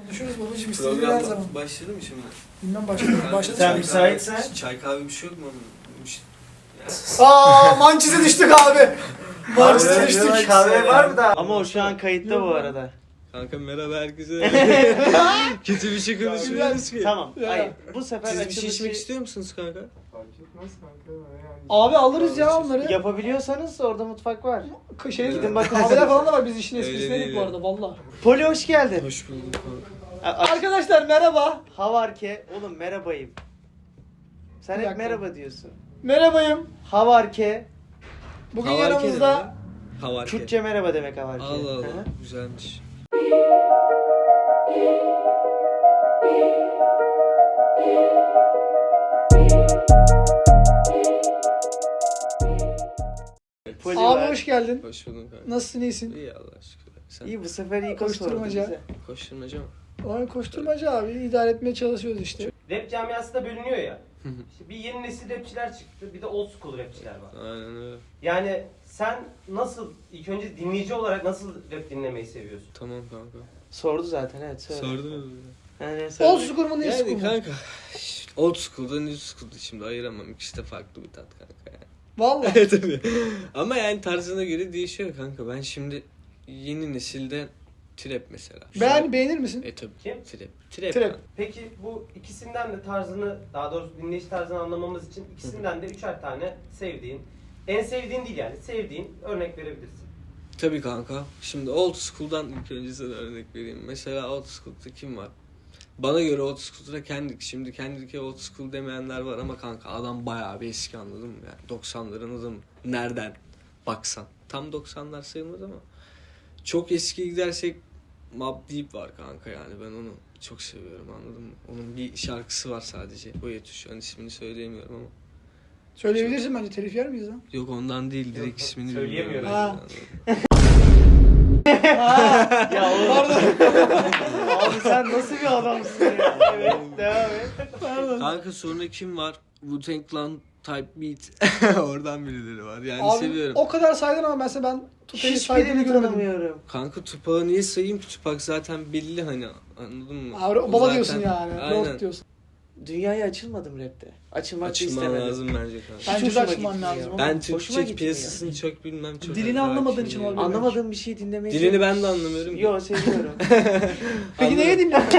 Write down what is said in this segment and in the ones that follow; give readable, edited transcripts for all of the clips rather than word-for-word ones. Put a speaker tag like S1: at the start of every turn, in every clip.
S1: Konuşuruz babacığım, istediğin her zaman.
S2: Başladı mı şimdi?
S1: Bilmem başladı.
S3: Sen müsaitsen.
S2: Çay kahve bir şey yok mu?
S1: Mançize düştük abi. Mançize düştük.
S3: Kahve var mı da? Ama o şu an kayıtta bu arada.
S2: Kanka merhaba herkese. Kötü bir şey konuşmuyoruz ki.
S3: Tamam.
S1: Ya.
S3: Hayır. Bu sefer
S2: Siz bir şey
S3: açılışı
S2: içmek istiyor musunuz kanka?
S4: Fark etmez kanka yani.
S1: Abi alırız ya onları.
S3: yapabiliyorsanız orada mutfak var.
S1: Gidin
S3: bakın.
S1: kahveler falan da var, biz işin
S2: Öyle
S1: esprisine
S2: değil
S1: bu
S2: ya.
S1: arada valla.
S3: Poli hoş geldin.
S2: Hoş bulduk kanka.
S1: Arkadaşlar merhaba.
S3: Havarke. Oğlum merhabayım. Sen
S1: Bir
S3: hep
S1: dakika.
S3: merhaba diyorsun.
S1: Merhabayım.
S3: Havarke.
S1: Bugün
S2: Havarke
S1: yanımızda
S2: Havarke.
S3: Kürtçe merhaba demek havarke.
S2: Allah
S3: Hı
S2: Allah.
S3: hı.
S2: Güzelmiş.
S3: Poli
S1: abi
S3: var.
S1: hoş geldin.
S2: Hoş bulduk kanka.
S1: Nasılsın, iyisin?
S2: İyi Allah aşkına. Sen
S3: İyi bu sefer iyi
S1: Koşturmaca.
S3: bize.
S2: koşturmaca mı?
S1: Oyun koşturmaca abi, idare etmeye çalışıyoruz işte.
S5: Rap camiası da bölünüyor ya. İşte bir yeni nesil rapçiler çıktı, bir de old school rapçiler var.
S2: Aynen öyle.
S5: Yani sen nasıl, ilk önce dinleyici olarak nasıl rap dinlemeyi seviyorsun?
S2: Tamam kanka.
S3: Sordu zaten evet söyle.
S2: Sordunuz mu?
S3: Yani söyle.
S1: Old school mu, new school
S2: Yani
S1: mu?
S2: kanka old school'da new school'da şimdi ayıramam. İkisi de farklı bir tat kanka yani.
S1: Valla.
S2: Tabii. Ama yani tarzına göre değişiyor kanka. Ben şimdi yeni nesilde trap mesela.
S1: Beğenir misin?
S2: Tabii.
S5: Kim?
S2: Trap.
S1: Trap.
S2: kanka.
S5: Peki bu ikisinden de tarzını, daha doğrusu dinleyici tarzını anlamamız için ikisinden de üçer tane sevdiğin, en sevdiğin değil yani, sevdiğin örnek verebilirsin.
S2: Tabii kanka. Şimdi old school'dan ilk önce sana örnek vereyim. Mesela old school'da kim var? Bana göre old school'da Kendrick. Şimdi Kendrick'e old school demeyenler var ama kanka adam bayağı bir eski, anladın mı? Yani 90'ların adamı. Nereden baksan. Tam 90'lar sayılmaz ama. Çok eskiye gidersek Mobb Deep var kanka, yani ben onu çok seviyorum, anladın mı? Onun bir şarkısı var sadece. O yetüş. Hani ismini söyleyemiyorum ama.
S1: Söyleyebilirsin bence, telif yer miyiz lan?
S2: Yok ondan değil, direkt ismini
S5: söyleyemiyorum.
S2: bilmiyorum.
S1: Ha.
S3: Ya oğlum.
S1: Pardon.
S3: Abi sen nasıl bir adamsın ya? Evet devam et.
S1: Pardon.
S2: Kanka sonra kim var? Wu-Tang Clan Type Beat. Oradan birileri var. Yani
S1: Abi
S2: seviyorum.
S1: o kadar saydın ama mesela ben Tupac'ı saydığını
S3: Hiçbirini
S1: görmedim.
S3: tanımıyorum.
S2: Kanka Tupac'ı niye sayayım ki? Tupac zaten belli hani, anladın mı?
S1: Abi
S2: O
S1: baba
S2: zaten-
S1: diyorsun yani.
S2: Aynen.
S1: Lord diyorsun.
S3: Dünyaya açılmadım rapte. Açılmak da
S2: Açılman
S3: istemedim.
S2: lazım bence kanka.
S1: Bence de
S3: hoşuma
S1: açman
S3: gitmiyor.
S1: lazım.
S2: Ben
S3: Hoşuma
S2: Türkçe
S3: gitmiyor.
S2: piyasasını çok bilmem. Çok
S1: Dilini
S2: hakim
S1: anlamadığın için
S2: değilim.
S1: olabilir.
S3: Anlamadığım bir şey dinlemeyi
S2: Dilini ben de anlamıyorum.
S3: Yo seviyorum.
S1: Peki neye dinliyorsun?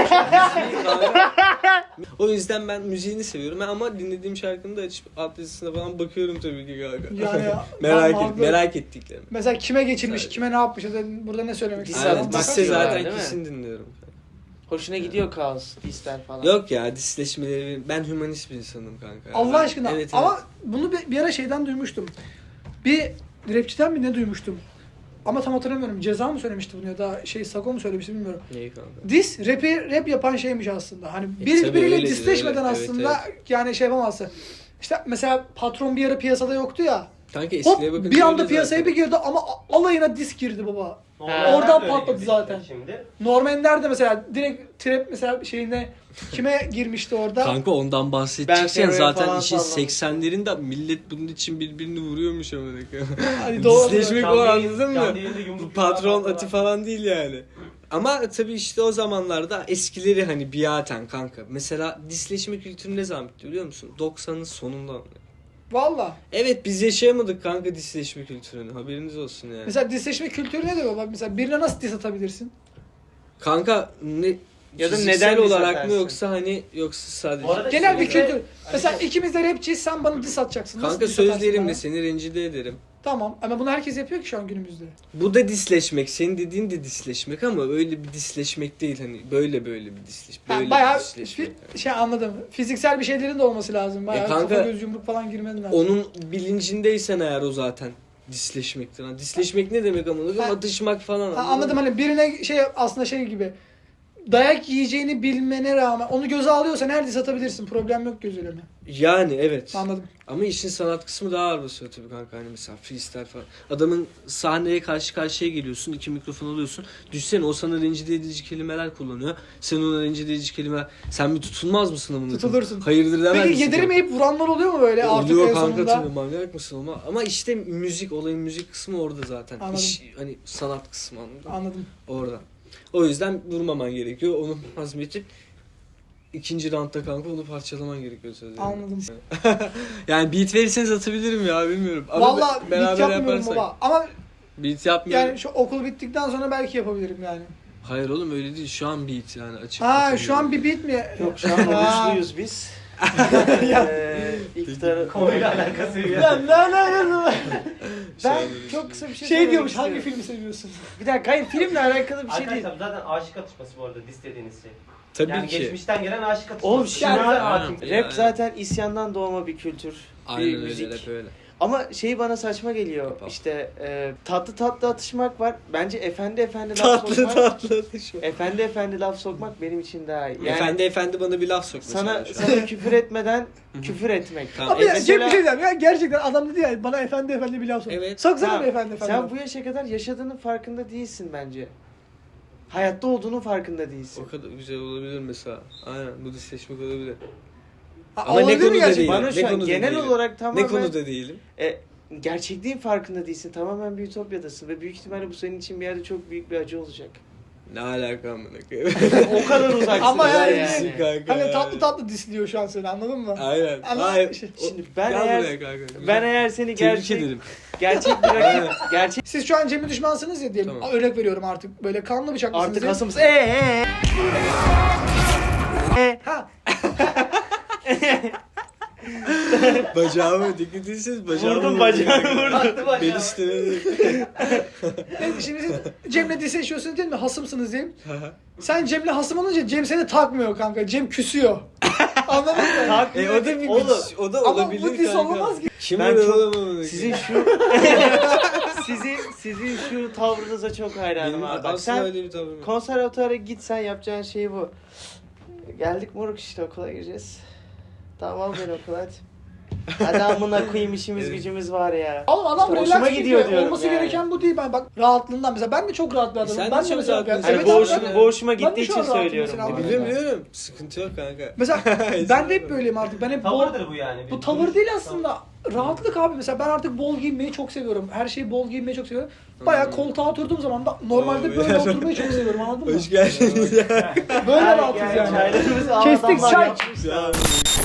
S2: O yüzden ben müziğini seviyorum ama dinlediğim şarkını da açıp alt yazısına falan bakıyorum tabii ki kanka.
S1: Yani
S2: merak merak ettiklerim.
S1: Mesela kime geçirmiş,
S2: Sadece.
S1: kime ne yapmış, ya da burada ne söylemek
S3: Diss
S1: istiyor.
S2: Aynen,
S3: atmak
S2: disse
S3: diyorlar,
S2: zaten
S3: değil mi?
S2: kesin dinliyorum.
S3: Hoşuna gidiyor kaos, disler falan.
S2: Yok ya, disleşmeleri, ben hümanist bir insanım kanka.
S1: Allah
S2: Ben-
S1: aşkına.
S2: Evet,
S1: Ama bunu bir ara şeyden duymuştum. Bir rapçiden mi ne duymuştum? Ama tam hatırlamıyorum. Ceza mı söylemişti bunu ya da Sago mu söylemişti bilmiyorum.
S2: Neyi kanka?
S1: Rap yapan şeymiş aslında. Hani
S2: tabii
S1: biriyle
S2: öyledir,
S1: disleşmeden
S2: öyle.
S1: aslında
S2: Evet,
S1: yani şey yapamazsın. İşte mesela Patron bir ara piyasada yoktu ya.
S2: Kanka
S1: Hop
S2: eskiye bakın.
S1: bir anda piyasaya bir girdi ama alayına disk girdi baba.
S5: Normalde
S1: Oradan
S5: öyle
S1: patladı
S5: gibi
S1: zaten.
S5: Şimdi.
S1: Norm Ender de mesela direkt trap mesela şeyine kime girmişti orada?
S2: Kanka ondan
S3: Ben
S2: bahsedeceksen
S3: Ferro'ya
S2: zaten
S3: falan
S2: işin
S3: sallamıştım.
S2: 80'lerinde millet bunun için birbirini vuruyormuş ama.
S1: Hani doğru.
S2: Disleşmek o,
S5: Canlı
S2: anladın mı?
S5: yayında yumruk
S2: Bu patron
S5: yumruk
S2: atı falan değil yani. Ama tabii işte o zamanlarda eskileri hani biaten kanka. Mesela disleşme kültürü ne zaman bitti biliyor musun? 90'ın sonunda.
S1: Valla.
S2: Evet, biz yaşayamadık kanka disleşme kültürünü. Haberiniz olsun yani.
S1: Mesela disleşme kültürü nedir baba? Mesela birine nasıl diss atabilirsin?
S2: Kanka ne
S3: Ya da
S2: fiziksel
S3: neden diss
S2: olarak mı
S3: atarsın?
S2: yoksa hani yoksa sadece.
S5: Bu arada
S1: Genel bir
S5: şimdi-
S1: kültür. Mesela ikimiz de rapçiyiz, sen bana diss atacaksın. Nasıl
S2: Kanka
S1: diss atarsın
S2: sözlerimle
S1: bana?
S2: seni rencide ederim.
S1: Tamam ama bunu herkes yapıyor ki şu an günümüzde.
S2: Bu da disleşmek. Senin dediğin de disleşmek ama öyle bir disleşmek değil, hani böyle bir disleşmek.
S1: Yani
S2: Böyle
S1: bayağı
S2: bir disleşmek.
S1: anladım. Fiziksel bir şeylerin de olması lazım. Bayağı
S2: kanka,
S1: kafa göz yumruk falan girmen lazım.
S2: Onun bilincindeysen eğer o zaten disleşmektir. Ha, disleşmek ne demek ama?
S1: Ha.
S2: Atışmak falan.
S1: Anladım, hani birine aslında şey gibi. Dayak yiyeceğini bilmene rağmen onu göze alıyorsan her diss atabilirsin. Problem yok gözüleme.
S2: Yani evet.
S1: Anladım.
S2: Ama işin sanat kısmı daha ağır basıyor tabii kanka. Hani mesela freestyle falan. Adamın sahneye karşı karşıya geliyorsun. 2 mikrofon alıyorsun. Düşsene o sana rencide edici kelimeler kullanıyor. Sen ona rencide edici kelimeler. Sen bir tutulmaz mısın amına?
S1: Tutulursun.
S2: Hayırdır demez
S1: Peki
S2: misin?
S1: yediremeyip vuranlar oluyor mu böyle artık
S2: Oluyor
S1: en
S2: kanka
S1: sonunda?
S2: tabii, manyak mısın ama işte müzik, olayın müzik kısmı orada zaten.
S1: Anladım.
S2: İş, hani sanat kısmı, anladın mı?
S1: Anladım.
S2: Orada. O yüzden vurmaman gerekiyor. Onu hazmedip ikinci roundda kanka onu parçalaman gerekiyor sözlerinde.
S1: Anladım.
S2: Yani beat verirseniz atabilirim ya bilmiyorum. Ama
S1: Valla beat yapmıyorum baba. Ama
S2: Beat yapmıyorum.
S1: yani şu okul bittikten sonra belki yapabilirim yani.
S2: Hayır oğlum öyle değil. Şu an beat yani açık.
S1: Ha şu an bir beat mi?
S3: Yok şu an oruçluyuz biz. İftarı...
S5: Konuyla alakası yok.
S3: Ya ne alakası var?
S2: Şu an
S3: Ben
S2: öyle
S3: çok kısa bir şey
S1: Şey
S3: söylemek
S1: diyormuş
S3: istiyorum.
S1: hangi filmi seviyorsun?
S3: Bir dakika hayır filmle alakalı bir şey değil.
S5: Arkadaşlar zaten aşık atışması bu arada istediğiniz şey.
S2: Tabii
S5: Yani
S2: ki.
S5: geçmişten gelen aşık atışması.
S3: Oğlum
S5: Yani
S3: şimdi
S5: hakim.
S2: Yani.
S3: rap zaten isyandan doğma bir kültür.
S2: Aynen
S3: bir
S2: öyle
S3: müzik.
S2: rap öyle.
S3: Ama şey bana saçma geliyor.
S2: Hip hop.
S3: İşte tatlı tatlı atışmak var. Bence efendi laf
S2: Tatlı
S3: sokmak.
S2: tatlı atışma.
S3: Efendi laf sokmak benim için daha iyi. Yani
S2: Efendi bana bir laf sok
S3: sana
S2: mesela şu an.
S3: sana küfür etmeden küfür etmek.
S2: Tamam.
S1: Abi ya,
S3: Mesela-
S1: Cem bir şey diyeyim ya gerçekten adam dedi ya bana efendi bir laf sok.
S2: Evet.
S1: Soksana
S3: Tamam,
S1: bir efendi.
S3: Sen bu yaşa kadar yaşadığının farkında değilsin bence. Hayatta olduğunun farkında değilsin.
S2: O kadar güzel olabilir mesela. Aynen bu disleşmek olabilir.
S1: Ha,
S2: Ama ne
S1: olabilir mi
S2: konuda
S1: gerçekten?
S2: değil?
S3: Bana
S2: Ne
S3: şu an
S2: konuda
S3: genel
S2: değilim?
S3: olarak
S2: Ne
S3: tamamen
S2: konuda değilim?
S3: gerçekliğin farkında değilsin. Tamamen bir ütopyadasın ve büyük ihtimalle bu senin için bir yerde çok büyük bir acı olacak.
S2: Ne alaka amına koyayım?
S3: O kadar uzaksın.
S1: Ama yani-
S3: yani.
S2: Kanka
S1: Hani
S2: ya.
S1: tatlı tatlı disliyor şu an seni anladın mı?
S2: Aynen.
S1: Ama
S2: Hayır.
S1: işte-
S3: Şimdi ben
S2: Gel
S3: eğer
S2: buraya kanka. Güzel.
S3: ben eğer seni
S2: Tebrik ederim.
S3: gerçek bir rakip gerçek
S1: Siz şu an Cem'in düşmansınız ya diyelim.
S2: Tamam.
S1: Örnek veriyorum artık. Böyle kanlı bıçaklısınız.
S3: artık
S1: ya.
S3: hasımız
S1: Ha.
S2: Bacağımı dikkat etseniz bacağımı
S3: Vurdum bacağını vurdum.
S5: Attı bacağı.
S2: Beni üstüne
S1: Evet, şimdi siz Cem'le disleşiyorsunuz değil mi? Hasımsınız diyelim. Sen Cem'le hasım olunca Cem seni takmıyor kanka. Cem küsüyor. Anladın mı?
S2: o da bir
S3: Oğlum,
S2: o da
S1: Ama
S2: olabilir
S1: bu dis
S2: kanka.
S1: olmaz ki.
S2: Kim
S3: Ben
S2: öyle
S3: çok-
S2: olamam?
S3: Sizin şu sizin şu tavrınıza çok hayranım
S2: Benim
S3: abi. Bak
S2: aslında
S3: sen
S2: öyle bir tavrım yok.
S3: konservatuvara gitsen yapacağın şey bu. Geldik moruk işte okula gireceğiz. Tamam al beni okula hadi. Hadi amına koyayım işimiz
S2: Evet.
S3: gücümüz var ya.
S1: Oğlum adam
S3: İşte
S1: relax
S3: hoşuma
S1: gidiyor
S3: gidiyor diyorum
S1: Olması
S3: yani.
S1: gereken bu değil. Ben bak rahatlığından mesela ben de çok rahat bir adamım.
S2: Sen de
S1: Ben
S2: çok
S1: mesela
S2: rahat bir
S1: evet
S3: Hani
S2: insansın.
S1: abi,
S3: bu hoşuma,
S2: ben-
S3: bu hoşuma
S1: ben de
S3: gittiği
S1: şu
S3: için
S1: an rahatım
S3: söylüyorum.
S1: mesela.
S3: bunu.
S2: Biliyorum biliyorum. Sıkıntı yok kanka.
S1: Mesela ben de hep böyleyim artık. Ben hep bol,
S5: Tavırdır bu yani.
S1: bu tavır değil aslında. Rahatlık abi. Mesela ben artık bol giyinmeyi çok seviyorum. Her şeyi bol giyinmeyi çok seviyorum. Bayağı koltuğa oturduğum zaman da normalde
S2: Oo,
S1: böyle
S2: ya.
S1: oturmayı çok seviyorum anladın mı?
S2: Hoş geldiniz ya.
S1: Böyle
S3: Yani
S1: rahatız yani.
S3: çaylarımızı
S1: Kestik
S3: adamlar
S1: çay.
S3: yapmışlar.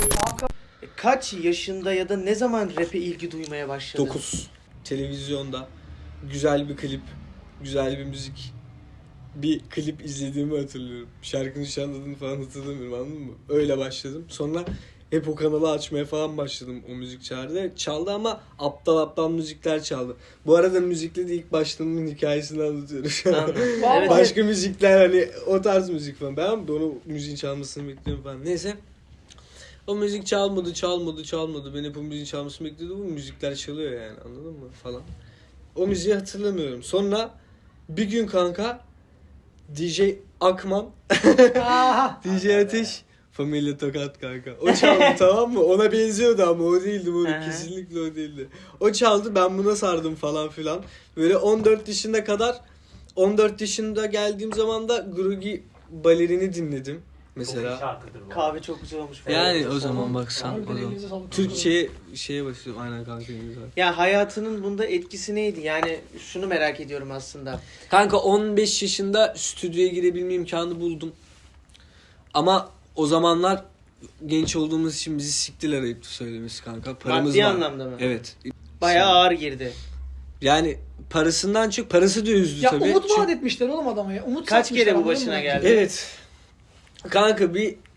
S3: Kaç yaşında ya da ne zaman rap'e ilgi duymaya başladın?
S2: 9. Televizyonda güzel bir klip, güzel bir müzik, bir klip izlediğimi hatırlıyorum. Şarkının şu an adını falan hatırlamıyorum anladın mı? Öyle başladım. Sonra hep o kanalı açmaya falan başladım o müzik çağrıda. Çaldı ama aptal müzikler çaldı. Bu arada müzikle de ilk başladığımın hikayesini anlatıyorum şu an.
S3: Anladım.
S1: Vallahi.
S3: Evet,
S2: Başka müzikler hani o tarz müzik falan. Ben de onu müziğin çalmasını bekliyorum falan. Neyse. O müzik çalmadı. Ben hep o müziğin çalmasını bekliyordum. Bu müzikler çalıyor yani anladın mı falan. O müziği hatırlamıyorum. Sonra bir gün kanka DJ Akman,
S1: Aha.
S2: DJ Ateş, Familya Tokat kanka. O çaldı tamam mı? Ona benziyordu ama o değildi. Bu
S3: Hı.
S2: kesinlikle o değildi. O çaldı ben buna sardım falan filan. Böyle 14 yaşında geldiğim zaman da Grugi Balerin'i dinledim.
S5: Mesela.
S2: Mesela.
S5: Şarkıdır bu.
S3: Kahve çok güzel olmuş. falan.
S2: Yani o zaman baksan.
S1: Abi
S2: O zaman.
S1: elinize sağlık.
S2: Şeye başlıyorum aynen kanka.
S3: Ya hayatının bunda etkisi neydi? Yani şunu merak ediyorum aslında.
S2: Kanka 15 yaşında stüdyoya girebilme imkanı buldum. Ama o zamanlar genç olduğumuz için bizi siktiler ayıp söylemesi kanka. Paramız
S3: Maddi
S2: var.
S3: anlamda mı?
S2: Evet.
S3: Bayağı ağır girdi.
S2: Yani parasından çık, parası da üzdü
S1: Ya
S2: tabii.
S1: umut
S2: Çünkü-
S1: vaat etmişler oğlum adama ya. Umut
S3: Kaç
S1: satmışlar,
S3: kere bu
S1: anladın
S3: başına
S1: mı?
S3: geldi?
S2: Evet. Kanka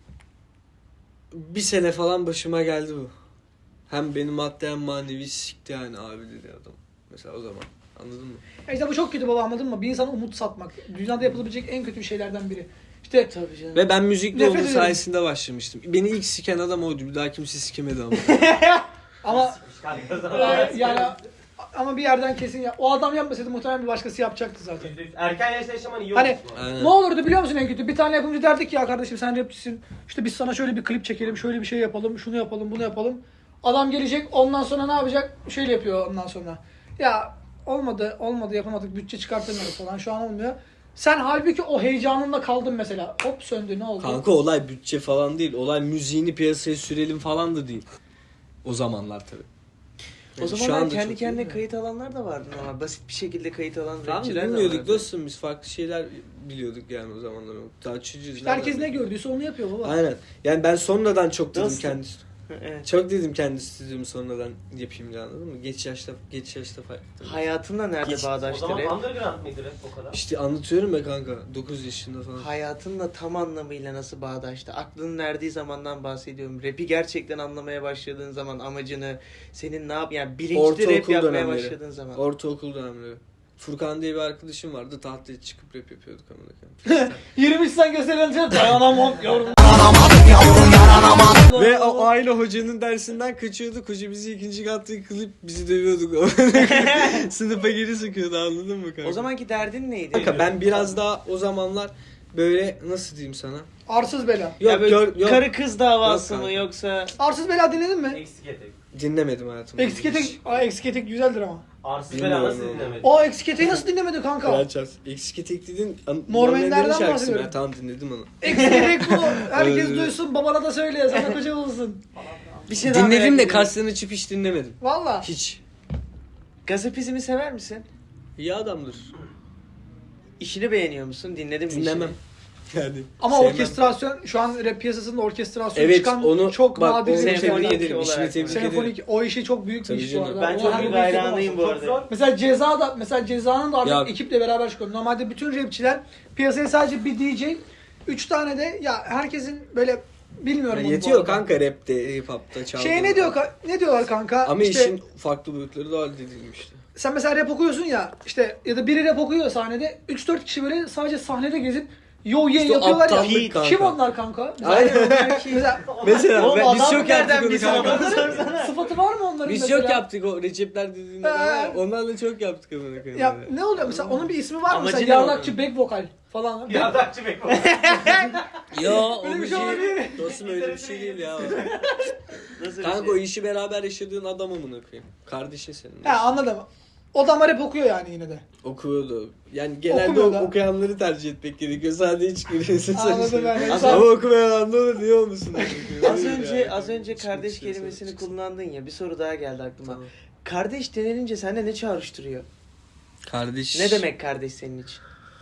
S2: bir sene falan başıma geldi bu. Hem beni maddi hem manevi sikti yani abi dedi adam. Mesela o zaman. Anladın mı?
S1: Ya işte bu çok kötü baba anladın mı? Bir insana umut satmak. Dünyada yapılabilecek en kötü şeylerden biri. İşte
S3: Tabii canım.
S2: Ve ben müzikle
S1: Nefret
S2: onun
S1: ederim.
S2: sayesinde başlamıştım. Beni ilk siken adam oydu. Bir daha kimse sikemedi ama.
S1: ama
S5: Şarkı
S1: yani ama bir yerden kesin ya. O adam yapmasaydı muhtemelen bir başkası yapacaktı zaten.
S5: Erken yaşta yaşaman iyi
S1: Hani-
S5: olmuş bu arada.
S2: Aynen.
S1: Ne olurdu biliyor musun en kötü? Bir tane yapımcı derdik ya kardeşim sen rapçisin. İşte biz sana şöyle bir klip çekelim, şöyle bir şey yapalım, şunu yapalım, bunu yapalım. Adam gelecek ondan sonra ne yapacak? Şöyle yapıyor ondan sonra. Ya olmadı yapamadık, bütçe çıkartamıyoruz falan şu an olmuyor. Sen halbuki o heyecanınla kaldın mesela. Hop söndü ne oldu?
S2: Kanka olay bütçe falan değil. Olay müziğini piyasaya sürelim falan da değil. O zamanlar tabii.
S3: O
S2: Şu
S3: zamanlar
S2: anda
S3: kendi
S2: çok
S3: kendine
S2: iyi de.
S3: kayıt alanlar da vardı ama basit bir şekilde kayıt alan
S2: Tamam
S3: rapçiler de
S2: bilmiyorduk
S3: vardı.
S2: dostum, biz farklı şeyler biliyorduk yani o zamanlar. Daha çocuğuz.
S1: İşte herkes ne gördüyse onu yapıyor baba.
S2: Aynen. Yani ben sonradan çok dedim
S3: Dostum.
S2: kendi.
S3: Evet.
S2: Çok dedim kendi stüdyomu sonradan yapayım diye, anladın mı? Geç yaşta fark ettim.
S3: Hayatınla nerede
S2: Hiç.
S5: O
S3: bağdaştı
S5: zaman
S3: rap?
S5: underground mıydı rap o kadar?
S2: İşte anlatıyorum ya kanka, 9 yaşında falan.
S3: Hayatınla tam anlamıyla nasıl bağdaştı? Aklının erdiği zamandan bahsediyorum. Rap'i gerçekten anlamaya başladığın zaman amacını, senin ne yap yani bilinçli rap
S2: Ortaokul
S3: yapmaya
S2: dönemleri.
S3: başladığın zaman.
S2: Ortaokul dönemleri. Furkan diye bir arkadaşım vardı, tahtaya çıkıp rap yapıyorduk amına
S1: 23 sen gösterilince dayanamam yavrum.
S2: Ve o aile hocanın dersinden kaçıyorduk. Hoca bizi ikinci katta yıkılıp bizi dövüyorduk. Sınıfa geri sokuyordu, anladın mı kanka?
S3: O zamanki derdin neydi?
S2: Kanka ben biraz daha o zamanlar böyle, nasıl diyeyim sana?
S1: Arsız bela.
S2: Yok
S3: Ya böyle
S2: yok
S3: karı kız davası
S2: Yok
S3: mı
S2: kanka.
S3: yoksa
S1: Arsız bela dinledin mi?
S5: Eksik etek.
S2: dinlemedim hayatımda.
S1: Eksik etek, eksik etek güzeldir ama.
S5: Arsız
S2: Bilmiyorum
S5: bela nasıl
S2: ama.
S5: dinlemedin?
S1: O eksik eteği nasıl dinlemedi kanka?
S2: Kraliçe. Eksik etek dedin.
S1: Normanlerden
S2: şarkısı mı
S1: bahsediyorum.
S2: ya? Tamam dinledim onu.
S1: Eksik etek bu. Herkes
S2: Öyle.
S1: duysun, babana da söyle, sana koca olsun.
S3: bir şey daha merak
S2: Dinledim de
S3: ediyorum.
S2: kaslarını açıp hiç dinlemedim.
S1: Valla.
S2: Hiç.
S3: Gazapizmi sever misin?
S2: İyi adamdır.
S3: İşini beğeniyor musun? Dinledin mi
S2: Dinlemem.
S3: işini?
S2: Yani.
S1: Ama
S2: sevmem.
S1: orkestrasyon, şu an rap piyasasında orkestrasyon
S2: Evet
S1: çıkan
S2: onu
S1: çok
S2: bak,
S1: nadir
S2: onu
S1: bir şey.
S2: tebrik
S3: Senfonik
S2: ederim. İşini
S3: olarak.
S2: tebrik ederim.
S1: Senfonik, o işi çok büyük bir
S2: Tabii
S1: iş bu
S2: canım.
S1: arada.
S3: Ben
S1: O
S3: çok
S1: her
S3: büyük
S1: bir şey
S3: hayranıyım bu
S5: Çok
S3: arada.
S5: zor.
S1: Mesela Ceza'nın da
S2: Ya-
S1: artık ekiple beraber çıkıyor. Normalde bütün rapçiler piyasaya sadece bir DJ, 3 tane de ya herkesin böyle bilmiyorum
S2: Yani
S1: onu bu
S2: yetiyor
S1: arada.
S2: kanka rapte, hip hop'ta çaldı.
S1: Ne diyorlar kanka?
S2: Ama
S1: İşte
S2: işin farklı boyutları da halledilmiş işte.
S1: sen mesela rap okuyorsun ya, işte ya da biri rap okuyor sahnede, 3-4 kişi böyle sadece sahnede gezip yo ye
S2: İşte o
S1: yapıyorlar ya.
S2: aptallık kanka.
S1: Kim onlar kanka?
S2: Aynen.
S1: Mesela
S2: Mesela
S3: Oğlum
S2: biz
S3: adam
S2: çok
S3: nereden
S2: yaptık onu
S3: bilsin
S2: kanka.
S3: adamı sorsana.
S1: sıfatı var mı onların
S2: Biz
S1: mesela?
S2: çok yaptık o Recepler dediğinde var ya, onlarla çok yaptık amına koyayım.
S1: Ya ne oluyor mesela, onun bir ismi var mı?
S3: Amacı
S1: Mesela
S3: ne
S1: yardakçı back vokal falan.
S5: Yardakçı bek o.
S2: Yo o
S1: Öyle bir
S2: bir
S1: şey olabilir.
S2: Dostum öyle bir şey değil ya.
S3: Nasıl bir
S2: Kanka
S3: şey?
S2: o işi beraber yaşadığın adam amına koyayım. Kardeşin senin.
S1: He anladım. O da ama rap okuyor yani yine de.
S2: Okuyordu. Yani genelde
S1: Okumuyor da.
S2: okuyanları tercih etmek gerekiyor. Sadece hiç giriyorsun.
S1: Anladım ben.
S2: Ama okumayan ne olur, niye olmasın?
S3: Az önce kardeş kelimesini kullandın ya, bir soru daha geldi aklıma.
S2: Tamam.
S3: Kardeş denilince sende ne çağrıştırıyor?
S2: Kardeş.
S3: Ne demek kardeş senin için?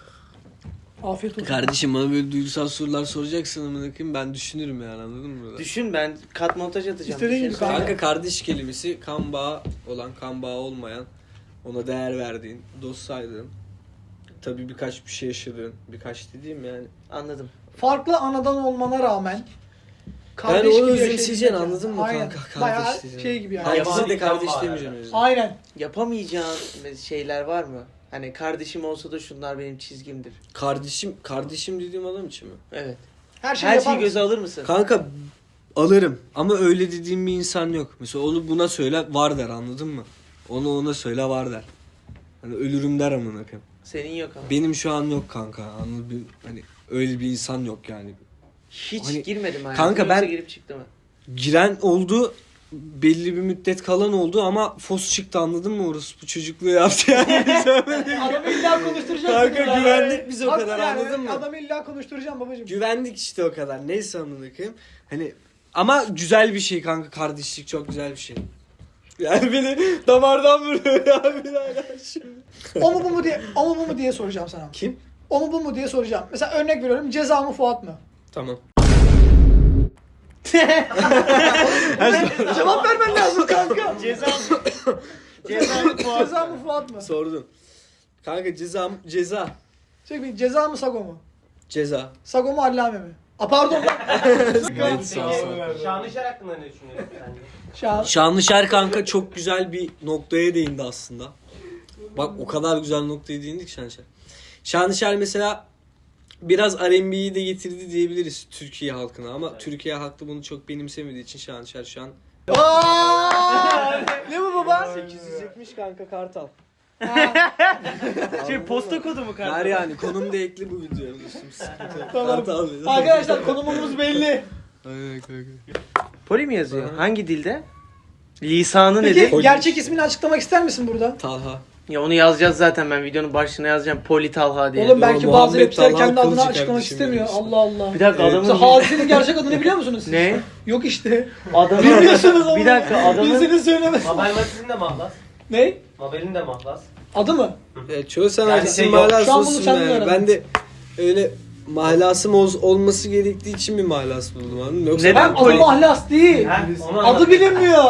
S1: Afiyet olsun.
S2: Kardeşim bana böyle duygusal sorular soracaksın amına koyayım, ben düşünürüm yani, anladın mı?
S3: Düşün, ben kat montaj atacağım.
S1: İstediğin gibi
S3: Düşünsene.
S2: Kanka kardeş kelimesi kan bağı olan, kan bağı olmayan, ona değer verdiğin, dost saydığın, tabii birkaç bir şey yaşadığın, birkaç dediğim yani.
S3: Anladım.
S1: Farklı anadan olmana rağmen
S2: Yani
S1: kardeş
S2: onu
S1: gibi
S2: özümseyeceksin,
S1: yaşayabilmek
S2: anladın
S1: yani.
S2: mı
S1: Aynen.
S2: kanka?
S1: Bayağı
S2: Kardeş diyeceksin.
S1: şey gibi yani.
S5: Hayır.
S2: Herkese de kardeş
S5: Kan bağı
S2: demeyeceğim
S5: yani.
S2: o yüzden.
S1: Aynen.
S3: Yapamayacağın şeyler var mı? Hani kardeşim olsa da şunlar benim çizgimdir.
S2: Kardeşim dediğim adam için mi?
S3: Evet.
S1: Her şeyi
S3: Her
S1: yapar
S3: şeyi
S1: mısın?
S3: göze alır mısın?
S2: Kanka alırım ama öyle dediğim bir insan yok. Mesela onu buna söyle var der, anladın mı? Onu ona söyle var der. Hani ölürüm der amına koyayım.
S3: Senin yok ama.
S2: Benim şu an yok kanka. Anladın mı? Hani öyle bir insan yok yani.
S3: Hiç
S2: Hani-
S3: girmedim hayatım.
S2: Kanka
S3: Yoksa
S2: ben-
S3: girip çıktı mı?
S2: Giren oldu, belli bir müddet kalan oldu ama fos çıktı, anladın mı? Orası bu çocukluğu yaptı yani.
S1: Adamı illa konuşturacaksın.
S2: Kanka
S1: ya.
S2: güvendik biz o
S1: Haklı
S2: kadar,
S1: yani,
S2: anladın mı?
S1: Adamı illa konuşturacağım babacığım.
S2: Güvendik işte o kadar. Neyse amına koyayım. Hani ama güzel bir şey kanka, kardeşlik çok güzel bir şey. Yani beni damardan vuruyor ya bir hala şimdi.
S1: O mu bu mu diye soracağım sana.
S2: Kim?
S1: O mu bu mu diye soracağım. Mesela örnek veriyorum, Ceza mı Fuat mı?
S2: Tamam.
S1: Cevap vermen lazım kanka.
S3: Ceza mı
S1: Ceza mı Fuat mı?
S2: Sordun. Kanka ceza.
S1: Şey, Ceza mı Sago mu?
S2: Ceza.
S1: Sago mu Allame mi? Pardon.
S2: Gayet sağ ol.
S5: Şanışer hakkında ne düşünüyorsun sence?
S1: Şahane.
S2: Şanlışer kanka çok güzel bir noktaya değindi aslında. Bak o kadar güzel noktaya değindik Şanlışer. Şanlışer mesela biraz R&B'yi de getirdi diyebiliriz Türkiye halkına ama Türkiye halkı bunu çok benimsemediği için Şanlışer şu an...
S1: Ne bu baba?
S2: 870 kanka Kartal.
S3: posta kodu mu
S2: Ver yani konum da ekli bu videoya.
S1: Tamam.
S2: Kartal.
S1: Arkadaşlar konumumuz belli.
S2: Aynen kanka.
S3: Poli mi yazıyor? Hangi dilde? Lisanı
S1: Peki
S3: nedir?
S2: Poli.
S1: gerçek ismini açıklamak ister misin burada?
S2: Talha.
S3: Ya onu yazacağız zaten, ben videonun başlığına yazacağım. Poli Talha diye.
S1: Oğlum belki
S2: Yo,
S1: bazı
S2: Muhammed
S1: rapçiler
S2: Talha
S1: kendi adını
S2: Kılıcı
S1: açıklamak
S2: kardeşim
S1: istemiyor.
S2: benim.
S1: Allah Allah.
S3: Bir dakika
S2: Evet.
S1: Mesela
S3: adamın...
S1: Hadise'nin gerçek adını biliyor musunuz siz?
S3: Ne?
S1: Yok işte.
S3: Adamın...
S1: Bilmiyorsunuz ama.
S3: Bir dakika adamın...
S1: Bilseniz söylemez.
S5: Mabel Matiz'in de mahlas.
S1: Ne?
S5: Mabel'in de mahlas.
S1: Adı mı?
S2: Çoğu sanatçısının
S5: şey yok.
S1: Şu an
S2: mahlası
S1: bunu
S2: olsun
S1: sen
S2: yani.
S1: öğrendin.
S2: Ben de öyle mahlasım olması gerektiği için bir mahlas buldum anladın mı? Yoksa
S3: Neden?
S1: Ben adı mahlas değil.
S5: Ha, onu
S1: Adı
S5: anlat.
S1: bilinmiyor.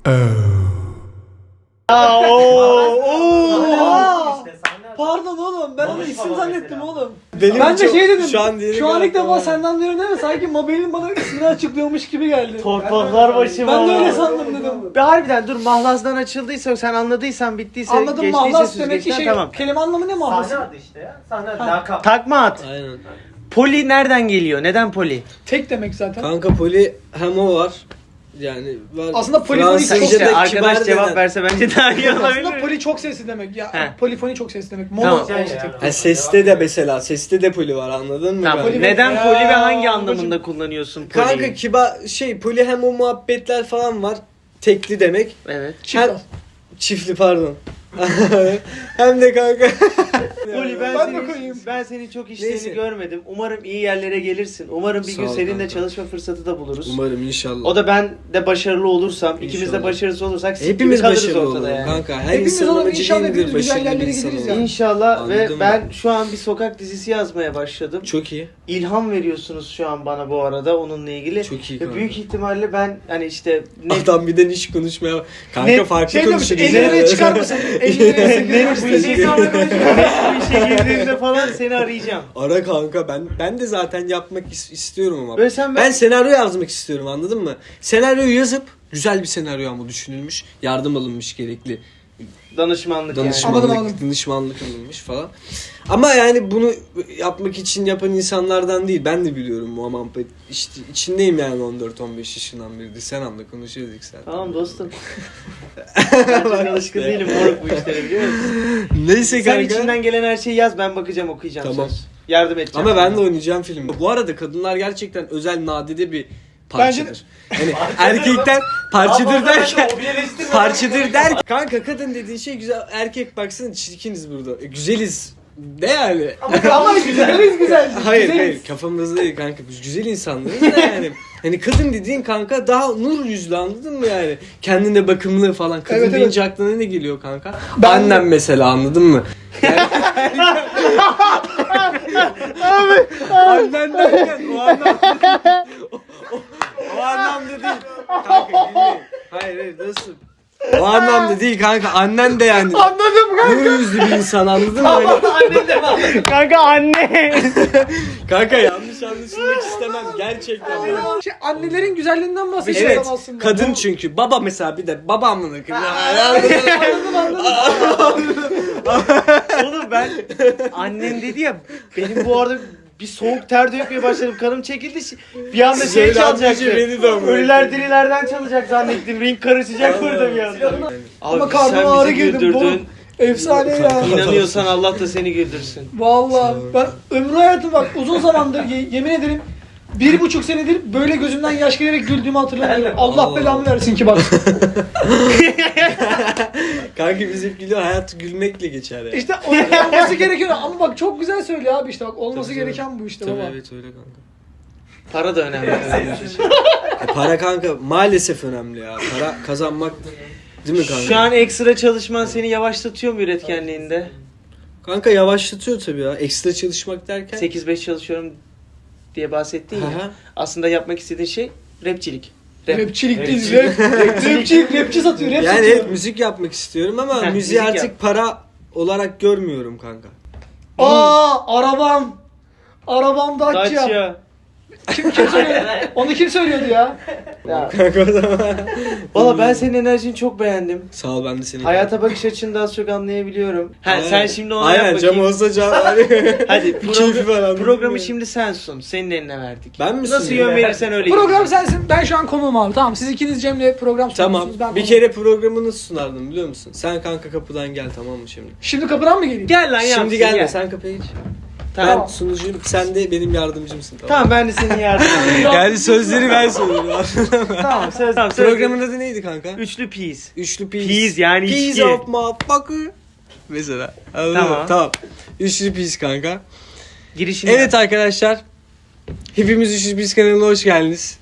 S3: Aa, ooo.
S1: Aa!
S5: İşte sahne-
S1: Pardon oğlum, ben onu
S5: Mamış
S1: isim
S5: baba
S1: zannettim
S5: mesela.
S1: oğlum.
S2: Benim
S1: Ben de
S2: çok-
S1: şey dedim,
S2: şu an diyerek
S1: şu an ilk defa
S2: aklıma-
S1: senden diyorum değil mi? Sanki Mabel'in bana ismini açıklıyormuş gibi geldi.
S3: Torpaklar başıma.
S1: Ben de öyle sandım dedim.
S3: Be harbiden dur, mahlasdan açıldıysa, sen anladıysan, bittiyse,
S1: Anladım,
S3: geçtiyse
S1: mahlas demek ki
S3: süzgeçten,
S1: şey,
S3: tamam.
S1: kelime anlamı ne mahlas?
S5: Sahne adı işte ya. Sahne adı.
S1: Ha.
S5: Lakap.
S3: Takma at.
S2: Aynen.
S3: Poli nereden geliyor? Neden poli?
S1: Tek demek zaten.
S2: Kanka poli hem o var. Yani var.
S1: Aslında polifonik
S2: Fransızca'da
S1: çok-
S3: İşte
S2: kibar
S3: arkadaş cevap
S2: denen-
S3: verse bence daha iyi olabilir.
S1: Aslında poli çok sesli demek. Ya
S3: He.
S1: polifoni çok sesli demek. Mono.
S3: Tamam.
S5: Şey
S1: işte.
S5: yani.
S2: Ha, seste de mesela seste de poli var anladın mı?
S3: Tamam.
S2: kanka?
S3: Neden
S1: Ya,
S3: poli ve hangi
S1: babacım.
S3: anlamında kullanıyorsun poliyi?
S2: Kanka kibar şey poli hem o muhabbetler falan var. Tekli demek.
S3: Evet.
S1: Çift
S2: Hem- Çiftli pardon. hem de kanka.
S3: Poli
S1: Ben de koyayım.
S3: ben senin çok işlerini
S2: Neyse.
S3: görmedim. Umarım iyi yerlere gelirsin. Umarım bir
S2: Sağ
S3: gün
S2: ol
S3: seninle
S2: kanka.
S3: çalışma fırsatı da buluruz.
S2: Umarım inşallah.
S3: O da ben de başarılı olursam, ikimiz de
S2: İnşallah.
S3: başarısız olursak siktir
S2: Hepimiz
S3: kalırız
S2: başarılı
S3: ortada
S2: olalım
S3: yani.
S2: kanka. Her
S1: Hepimiz
S2: insanın
S1: olalım,
S2: amacı
S1: inşallah
S2: değildir
S1: hepimiz güzel
S2: başarılı bir
S1: yerlere
S2: insan
S1: gideriz
S2: olmak.
S1: ya.
S3: İnşallah.
S2: Anladın
S3: Ve
S2: mı?
S3: ben şu an bir sokak dizisi yazmaya başladım.
S2: Çok iyi.
S3: İlham veriyorsunuz şu an bana bu arada onunla ilgili.
S2: Çok iyi
S3: Ve
S2: kanka.
S3: büyük ihtimalle ben hani işte net
S2: Adam bir de niş konuşmaya. Kanka
S3: Net-
S2: farklı
S1: Şey demiş,
S2: konuşuruz.
S1: 50 liraya çıkar mısın? 50 liraya
S3: net bu
S1: 8
S3: işe bu işe girdiğimde falan seni arayacağım.
S2: Ara kanka ben de zaten yapmak istiyorum ama.
S3: Böyle sen
S2: Ben senaryo yazmak istiyorum anladın mı? Senaryoyu yazıp güzel bir senaryo ama düşünülmüş. Yardım alınmış gerekli.
S3: danışmanlık yani.
S2: Danışmanlık,
S1: Anladım.
S2: danışmanlık alınmış falan. Ama yani bunu yapmak için yapan insanlardan değil. Ben de biliyorum Muhammed. İşte içindeyim yani 14-15 yaşından beri. Sen anla konuşuyorduk sen.
S3: Tamam dostum. Ben çok alışkın değilim moruk bu işlere, biliyor musun?
S2: Neyse
S3: Sen
S2: kanka.
S3: içinden gelen her şeyi yaz, ben bakacağım, okuyacağım,
S2: Tamam.
S3: söz. Yardım edeceğim.
S2: Ama ben de oynayacağım film. Bu arada kadınlar gerçekten özel nadide bir parçadır. Yani erkekten parçadır derken parçadır der. Kanka kadın dediğin şey güzel. Erkek baksana çirkiniz burada. Güzeliz. Ne yani?
S1: Ama güzeliz güzel.
S2: Hayır
S1: Güzeliz.
S2: hayır kafamızda değil kanka biz güzel insanlarız da yani. Hani kadın dediğin kanka daha nur yüzlü anladın mı yani? Kendine bakımlı falan. Kadın
S1: Evet,
S2: deyince aklına ne geliyor kanka?
S1: Ben-
S2: Annem mesela anladın mı? Yani... Annen derken o anlamda o anlamda değil. Kanka gülmeyin. Hayır nasıl? O anlamda değil kanka annen de yani
S1: Anladım kanka.
S2: nur yüzlü bir insan anladın mı? Hani...
S5: Annem de var.
S3: Kanka anne.
S2: Kanka yanlış anlaşılmak istemem gerçekten.
S1: Şey, annelerin güzelliğinden bahsediyorum
S2: Evet,
S1: aslında.
S2: kadın çünkü. Baba mesela bir de baba amına koyayım.
S1: Anladım.
S3: Oğlum ben annem dedi ya, benim bu arada bir soğuk ter dökmeye başladım. Kanım çekildi. Bir anda şey
S2: Söyle
S3: çalacaktı.
S2: amcacığım, beni de amına
S3: Ölüler dirilerden çalacak zannettim. Ring karışacak burada bir anda.
S1: Ama
S3: Abi
S1: karnıma
S3: sen
S1: ağrı
S3: bizi
S1: girdim.
S3: güldürdün.
S1: Efsane ya.
S3: İnanıyorsan Allah da seni güldürsün.
S1: Vallahi ben ömrü hayatım bak uzun zamandır yemin ederim 1,5 senedir böyle gözümden yaş gelerek güldüğümü hatırlamıyorum. Allah
S2: Allah.
S1: belamı versin ki bak.
S2: Kanka biz hep gülüyor. Hayat gülmekle geçer ya.
S1: İşte olması gerekiyor ama bak çok güzel söylüyor abi işte bak olması
S2: Tabii,
S1: gereken bu işte
S2: Tabii
S1: baba.
S2: evet öyle kanka.
S3: Para da önemli.
S2: Para kanka maalesef önemli ya. Para kazanmak değil mi kanka?
S3: Şu an ekstra çalışman seni yavaşlatıyor mu üretkenliğinde?
S2: Kanka yavaşlatıyor tabii ya. Ekstra çalışmak derken.
S3: 8-5 çalışıyorum diye bahsettin
S2: Hı
S3: ya.
S2: hı.
S3: Aslında yapmak istediğin şey rapçilik. Rap.
S1: Rapçilik değil, rapçilik, rapçi satıyor, rap
S2: Yani
S1: satıyor.
S2: evet, müzik yapmak istiyorum ama
S3: Heh,
S2: müziği
S3: müzik
S2: artık
S3: yap.
S2: para olarak görmüyorum kanka.
S1: Arabam. Arabam Dacia.
S3: Dacia.
S1: Kim söylüyor? Onu kim söylüyordu ya?
S3: Ya.
S2: Kanka o zaman.
S3: Valla ben senin enerjini çok beğendim.
S2: Sağ ol ben de seni.
S3: Hayata bakış açını da az çok anlayabiliyorum. Ha,
S2: Aynen.
S3: sen şimdi ona
S2: Aynen
S3: yap
S2: cam
S3: bakayım.
S2: olsa cam.
S3: Hadi
S2: Bir keyfi var anladın
S3: programı
S2: mı?
S3: şimdi sen sun. Senin eline verdik.
S2: Ben mi
S3: Nasıl
S2: sunayım?
S3: yön verirsen öyle.
S1: Program sensin, ben şu an konuğum abi. Tamam, siz ikiniz Cem'le program
S2: Tamam.
S1: sunuyorsunuz. Ben
S2: Bir
S1: konuğum.
S2: kere programı nasıl sunardın biliyor musun? Sen kanka kapıdan gel tamam mı şimdi?
S1: Şimdi kapıdan mı geleyim?
S3: Gel lan yapsın.
S2: Şimdi gelme
S3: gel.
S2: sen kapıya geç.
S3: Tamam.
S2: Ben sunucuyum sen de benim yardımcımsın tamam.
S3: Tamam ben de senin yardımcın.
S2: Yani sözleri ben söylüyorum.
S3: Tamam söz.
S2: Programın adı neydi kanka?
S3: Üçlü peas.
S2: Üçlü peas.
S3: Peas yani
S2: Peas
S3: içki.
S2: of motherfucker. Mesela. Anladın mı?
S3: Tamam.
S2: Tamam. Üçlü pis kanka.
S3: Girişini
S2: Evet arkadaşlar. Hepimiz Üçlü Pis kanalına hoş geldiniz.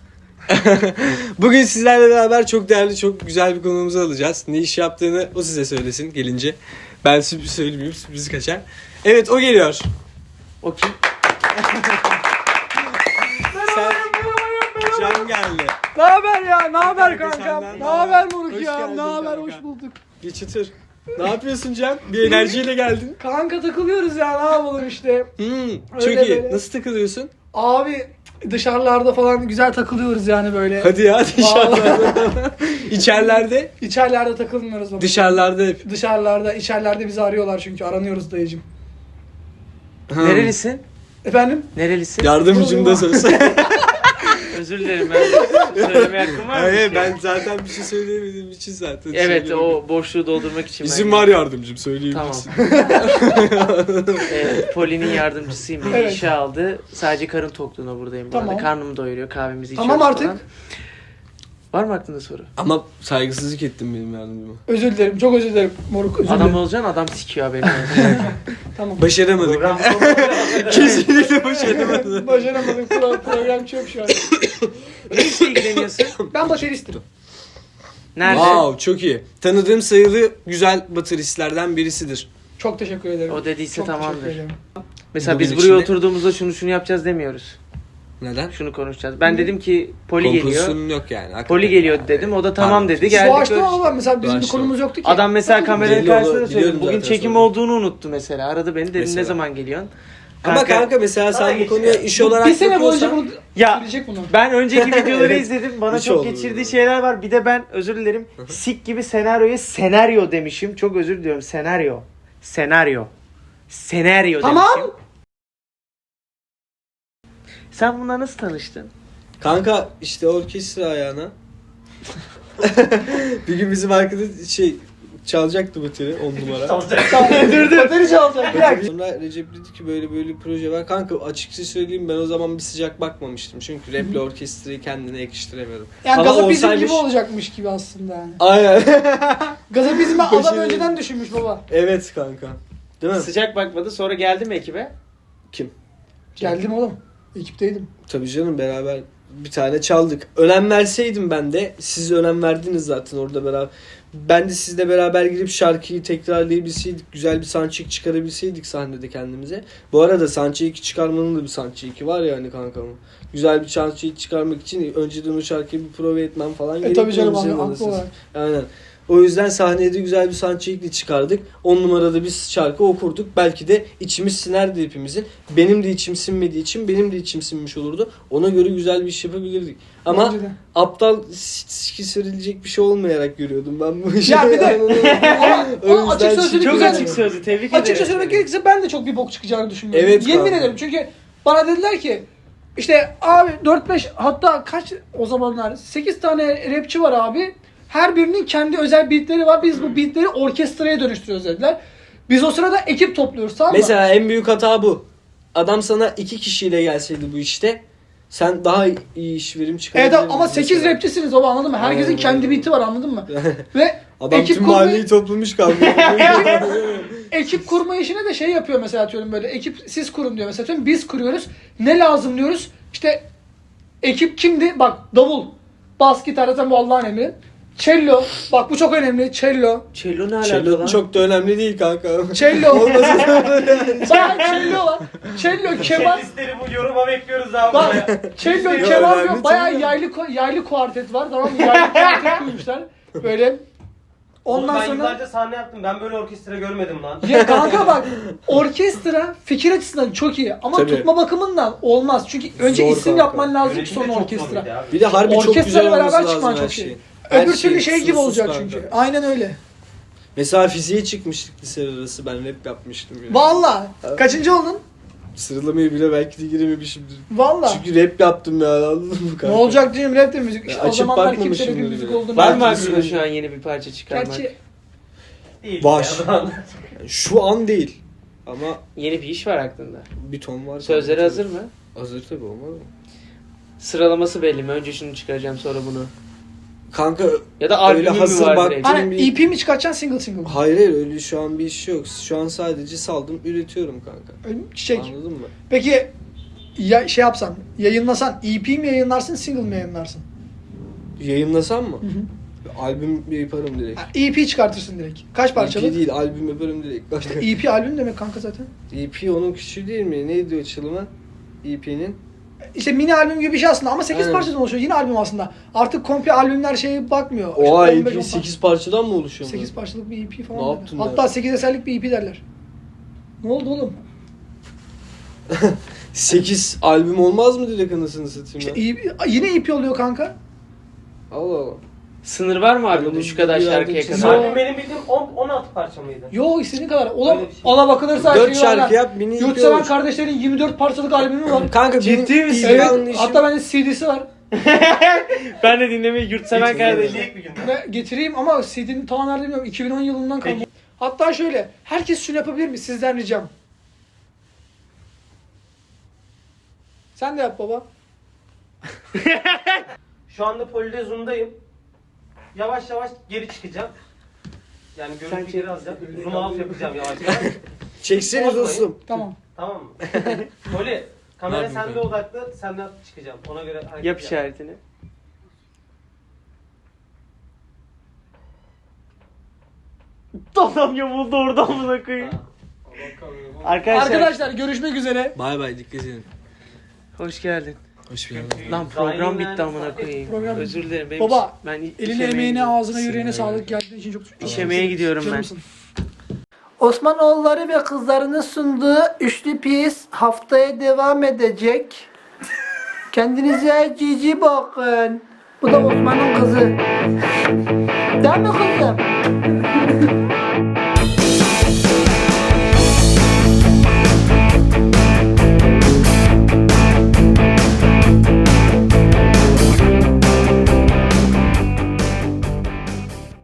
S2: Bugün sizlerle beraber çok değerli, çok güzel bir konuğumuzu alacağız. Ne iş yaptığını o size söylesin gelince. Ben sürpriz söylemeyeyim, sürpriz kaçar. Evet, o geliyor.
S3: O kim?
S2: Sen... Can geldi.
S1: Ne haber ya? Ne haber
S2: Kanka
S1: kankam?
S2: senden
S1: Ne
S2: ne
S1: haber
S2: haber?
S1: moruk
S2: Hoş
S1: ya?
S2: geldin
S1: Ne haber?
S2: kanka.
S1: Hoş bulduk.
S2: Geç otur. Ne yapıyorsun Can? Bir enerjiyle geldin.
S1: Kanka takılıyoruz ya. Ne yapalım işte.
S2: Çok
S1: Öyle
S2: iyi.
S1: böyle.
S2: Nasıl takılıyorsun?
S1: Abi dışarılarda falan güzel takılıyoruz yani böyle.
S2: Hadi ya dışarılarda. İçerilerde?
S1: İçerilerde takılmıyoruz baba.
S2: Dışarılarda hep.
S1: Dışarılarda, içerilerde bizi arıyorlar çünkü aranıyoruz dayıcım.
S3: Nerelisin?
S1: Efendim?
S3: Nerelisin?
S2: Yardımcım da söz.
S3: Özür dilerim ben. Söylemeye hakkım var mı?
S2: Hayır ben zaten bir şey söyleyemediğim için zaten.
S3: Evet
S2: söylemiyorum.
S3: o boşluğu doldurmak için.
S2: İzin
S3: ben-
S2: var yardımcım söyleyeyim.
S3: Tamam. Poli'nin yardımcısıyım. Beni
S1: Evet.
S3: işe aldı. Sadece karın tokluğuna buradayım. Bu
S1: Tamam.
S3: arada. Karnımı doyuruyor. Kahvemizi içiyoruz
S1: Tamam artık.
S3: falan. Var mı aklında soru?
S2: Ama saygısızlık ettim benim yardımcıma.
S1: Özür dilerim. Çok özür dilerim moruk. Özür
S3: Adam
S1: dilerim.
S3: olacaksın adam sikiyor haberi.
S1: Tamam.
S2: Başaramadık.
S5: Program
S2: Kesinlikle başaramadık.
S1: Başaramadım. Program çok şu an.
S3: Ne işle ilgileniyorsun?
S1: Ben bateristim.
S3: Nerede?
S2: Wow çok iyi. Tanıdığım sayılı güzel bateristlerden birisidir.
S1: Çok teşekkür ederim.
S3: O dediyse
S1: Çok
S3: tamamdır.
S1: teşekkür ederim.
S3: Mesela
S2: Bugün
S3: biz buraya
S2: içinde-
S3: oturduğumuzda şunu yapacağız demiyoruz.
S2: Neden?
S3: Şunu konuşacağız. Ben dedim ki Poli geliyor.
S2: Kompozisyonun yok yani. hakikaten.
S3: Poli geliyor dedim. O da tamam dedi. Geldik.
S1: Doğaçlama
S3: görüştük.
S1: ama mesela bizim bir
S2: Doğaçlama.
S1: konumuz yoktu ki.
S3: Adam mesela kameranın
S2: Belli oldu,
S3: karşısında söyledi.
S2: biliyorum
S3: Bugün
S2: zaten
S3: çekim
S2: sonra.
S3: olduğunu unuttu mesela. Aradı beni dedi
S2: Mesela.
S3: ne zaman geliyorsun?
S2: Ama kanka mesela
S5: Sana
S2: sen bu
S5: geçiyor.
S2: konuya iş olarak
S1: bir sene boyunca
S2: bakıyorsan-
S1: bunu
S3: Ya
S1: söyleyecek bunu.
S3: ben önceki videoları
S2: Evet.
S3: izledim. Bana
S2: Hiç
S3: çok
S2: oldu
S3: geçirdiği
S2: böyle.
S3: şeyler var. Bir de ben özür dilerim. Sik gibi senaryoya senaryo demişim. Çok özür diliyorum. Senaryo. Senaryo
S1: Tamam.
S3: demişim. Sen bununla nasıl tanıştın?
S2: Kanka işte orkestra ayağına. Bir gün bizim arkadaş çalacaktı bateri 10 numara.
S1: Dur. Bateri çalacak. Bir dakika.
S2: Sonra Recep dedi ki böyle bir proje var. Kanka açıkça söyleyeyim ben o zaman bir sıcak bakmamıştım. Çünkü raple orkestrayı kendine yakıştıramıyordum.
S1: Yani
S2: Ama
S1: gazapizm gibi
S2: olsaymış-
S1: olacakmış gibi aslında yani.
S2: Aynen.
S1: Gazapizmi adam
S2: Başarılı.
S1: önceden düşünmüş baba.
S2: Evet kanka. Değil mi?
S3: Sıcak bakmadı. Sonra geldi mi ekibe?
S2: Kim?
S1: Geldim oğlum. Ekipteydim.
S2: Tabii canım beraber bir tane çaldık. Önem verseydim ben de siz önem verdiniz zaten orada beraber. Ben de sizle beraber girip şarkıyı tekrarlayabilseydik, güzel bir soundcheck çıkarabilseydik sahnede kendimize. Bu arada soundcheck çıkarmanın da bir soundcheck var ya hani kankamın. Güzel bir soundcheck çıkarmak için önceden o şarkıyı bir prova etmem falan
S1: Tabii canım
S2: gerekiyor
S1: abi
S2: bizim
S1: haklı
S2: anasını.
S1: olarak.
S2: Aynen. O yüzden sahneye de güzel bir soundcheck'le çıkardık. 10 numarada bir şarkı okurduk. Belki de içimiz sinerdi hepimizin. Benim de içim sinmediği için benim de içim sinmiş olurdu. Ona göre güzel bir iş yapabilirdik. Ama
S1: Bence de.
S2: aptal siki serilecek bir şey olmayarak görüyordum ben bu işi.
S1: Ya bir de ama
S2: O
S1: o açık
S2: yüzden
S1: sözlülük
S3: Çok
S1: güzel.
S3: açık sözlü. Tebrik ederim.
S1: Açıkça söylemek gerekirse ben de çok bir bok çıkacağını düşünmüyorum.
S2: Evet
S1: Yemin
S2: kanka.
S1: ederim çünkü bana dediler ki işte abi 4-5 hatta kaç o zamanlar 8 tane rapçi var abi. Her birinin kendi özel beatleri var. Biz bu beatleri orkestraya dönüştürüyoruz dediler. Biz o sırada ekip topluyoruz tamam mı?
S2: Mesela en büyük hata bu. Adam sana 2 kişiyle gelseydi bu işte sen daha iyi iş verim
S1: Evet
S2: çıkarabilirdin.
S1: ama 8
S2: mesela.
S1: rapçisiniz baba anladın mı? Herkesin
S2: Aynen
S1: kendi
S2: öyle.
S1: beat'i var anladın mı? Ve
S2: Adam
S1: ekip
S2: tüm
S1: kurmayı-
S2: mahalleyi toplamış kaldı.
S1: ekip kurma işine de şey yapıyor mesela atıyorum böyle ekip siz kurun diyor mesela atıyorum biz kuruyoruz. Ne lazım diyoruz? İşte ekip kimdi? Bak davul, bas gitar zaten bu Allah'ın emri. Cello, bak bu çok önemli. Cello.
S3: Cello ne alaka
S2: Cello
S3: lan?
S2: çok da önemli değil kanka.
S1: Cello. Bayağı cello var. Cello, keman.
S5: Listleri bu yoruma bekliyoruz abi.
S1: Bak cello,
S2: Yok,
S1: keman
S2: önemli
S1: yok. Bayağı
S2: tabii.
S1: yaylı kuartet var tamam mı? Yaylı kuartet kurmuşlar. Böyle.
S5: Oğlum
S1: Ondan
S5: ben
S1: sonra
S5: yıllarca sahne yaptım. Ben böyle orkestra görmedim lan.
S1: ya kanka bak orkestra fikir açısından çok iyi ama
S2: Tabii.
S1: tutma bakımından olmaz. Çünkü önce
S2: Zor
S1: isim
S2: kanka.
S1: yapman lazım ki
S5: Yönetim de
S1: sonra
S5: çok
S1: orkestra.
S5: zor bir abi.
S2: Bir de harbi çok
S1: Orkestrayla
S2: güzel olması
S1: beraber
S2: lazım
S1: çıkman
S2: her
S1: çok
S2: şey.
S1: iyi.
S2: Her
S1: Öbür türlü şey gibi
S2: sınırsız
S1: olacak
S2: kanka.
S1: çünkü. Aynen öyle.
S2: Mesela fiziğe çıkmıştık lise arası ben rap yapmıştım ya.
S1: Valla. Kaçıncı oldun?
S2: Sıralamayı bile belki de girememişimdir.
S1: Valla.
S2: Çünkü rap yaptım ya anladın mı
S1: Ne
S2: kanka?
S1: olacak diyeyim rap de müzik. İşte o
S2: açıp
S1: zamanlar
S2: bakmamışım
S1: kimse rap'in
S2: bile.
S1: müzik olduğunu
S3: Var mı
S2: Belki
S3: aklında
S2: bir-
S3: şu an yeni bir parça çıkarmak?
S1: Gerçi
S5: Değil
S2: Var.
S5: ya.
S2: Yani şu an değil. Ama
S3: Yeni bir iş var aklında.
S2: bir ton var.
S3: Sözleri
S2: kanka.
S3: hazır mı?
S2: Hazır tabii olmaz mı?
S3: Sıralaması belli mi? Önce şunu çıkaracağım sonra bunu.
S2: Kanka
S3: Ya da
S2: öyle
S3: albümü mü
S2: hazır
S3: var
S2: bak.
S3: direkt?
S1: Hani
S2: bir-
S1: EP mi çıkartacaksın single single mı?
S2: Hayır hayır öyle şu an bir iş yok. Şu an sadece saldım üretiyorum kanka.
S1: Çiçek.
S2: Anladın mı?
S1: Peki ya şey yapsan, yayınlasan EP mi yayınlarsın, single mi yayınlarsın?
S2: Yayınlasam mı?
S1: Hı hı.
S2: Albüm yaparım direkt.
S1: Ha, EP çıkartırsın direkt. Kaç parçalı?
S2: EP değil albüm yaparım direkt. Kanka.
S1: EP albüm demek kanka zaten.
S2: EP onun küçüğü değil mi? Neydi o açılımı? EP'nin.
S1: İşte mini albüm gibi bir şey aslında ama 8
S2: Aynen.
S1: parçadan oluşuyor. Yine albüm aslında. Artık komple albümler şeye bakmıyor.
S2: Oha
S1: İşte 15, 10
S2: EP 8 parçadan mı oluşuyor?
S1: 8 parçalık bir EP falan.
S2: Ne
S1: derler.
S2: yaptın
S1: Hatta
S2: ya?
S1: 8 eserlik bir EP derler. Ne oldu oğlum?
S2: 8 albüm olmaz mı direkt anasını satayım
S1: İşte
S2: ya?
S1: yine EP oluyor kanka.
S2: Allah Allah.
S3: Sınır var mı albümde
S2: Albümde
S3: şu kadar
S2: bir
S3: şarkıya
S2: yerde
S3: kadar?
S1: Yo.
S5: Albüm benim bildiğim 16 parça mıydı?
S1: Yo istediğin kadar. Oğlum
S5: Öyle bir şey.
S1: ona bakılırsa
S2: 4
S1: şey var lan.
S2: şarkı yap mini EP
S1: Yurtseven
S2: olur.
S1: kardeşlerin 24 parçalık albümü var.
S2: Kanka
S3: Ciddi
S2: benim
S3: misin?
S2: ilgi
S1: Evet.
S2: anlayışım-
S1: Hatta bende CD'si var.
S3: Ben de dinlemeyi yurtseven kardeşim.
S5: Dinleyecek bir gün.
S1: Ve getireyim ama CD'nin tam nerede bilmiyorum. 2010 yılından kalma. Hatta şöyle. Herkes şunu yapabilir mi? Sizden ricam. Sen de yap baba.
S5: Şu anda Polide Zoom'dayım. Yavaş yavaş geri çıkacağım. Yani görüntü geri alacağım. Zoom out yapacağım yavaş yavaş.
S2: Çekseniz
S5: Bozmayın.
S2: dostum.
S1: Tamam.
S5: Tamam mı? Poli, kamera
S2: yapayım
S5: sende
S2: ben?
S5: odaklı, senden çıkacağım. Ona göre hareket
S3: Yap işaretini. Adam yamuldu orada amına koyayım.
S1: Arkadaşlar görüşmek üzere.
S2: Bay bay dikkat edin.
S3: Hoş geldin.
S2: Hoş geldin.
S3: Lan program bitti amına koyayım.
S1: Program-
S3: Özür dilerim. Benim
S1: Baba,
S3: ben iş
S1: Eline
S3: yemeğe
S1: emeğine
S3: gidiyorum.
S1: ağzına yüreğine
S2: Sinirlendim.
S1: sağlık geldiğin için çok
S3: İş yemeğe gidiyorum ben.
S1: Canımsın. Osmanoğulları ve kızlarının sunduğu üçlü piyes haftaya devam edecek. Kendinize cici bakın. Bu da Osman'ın kızı. Değil mi kızım?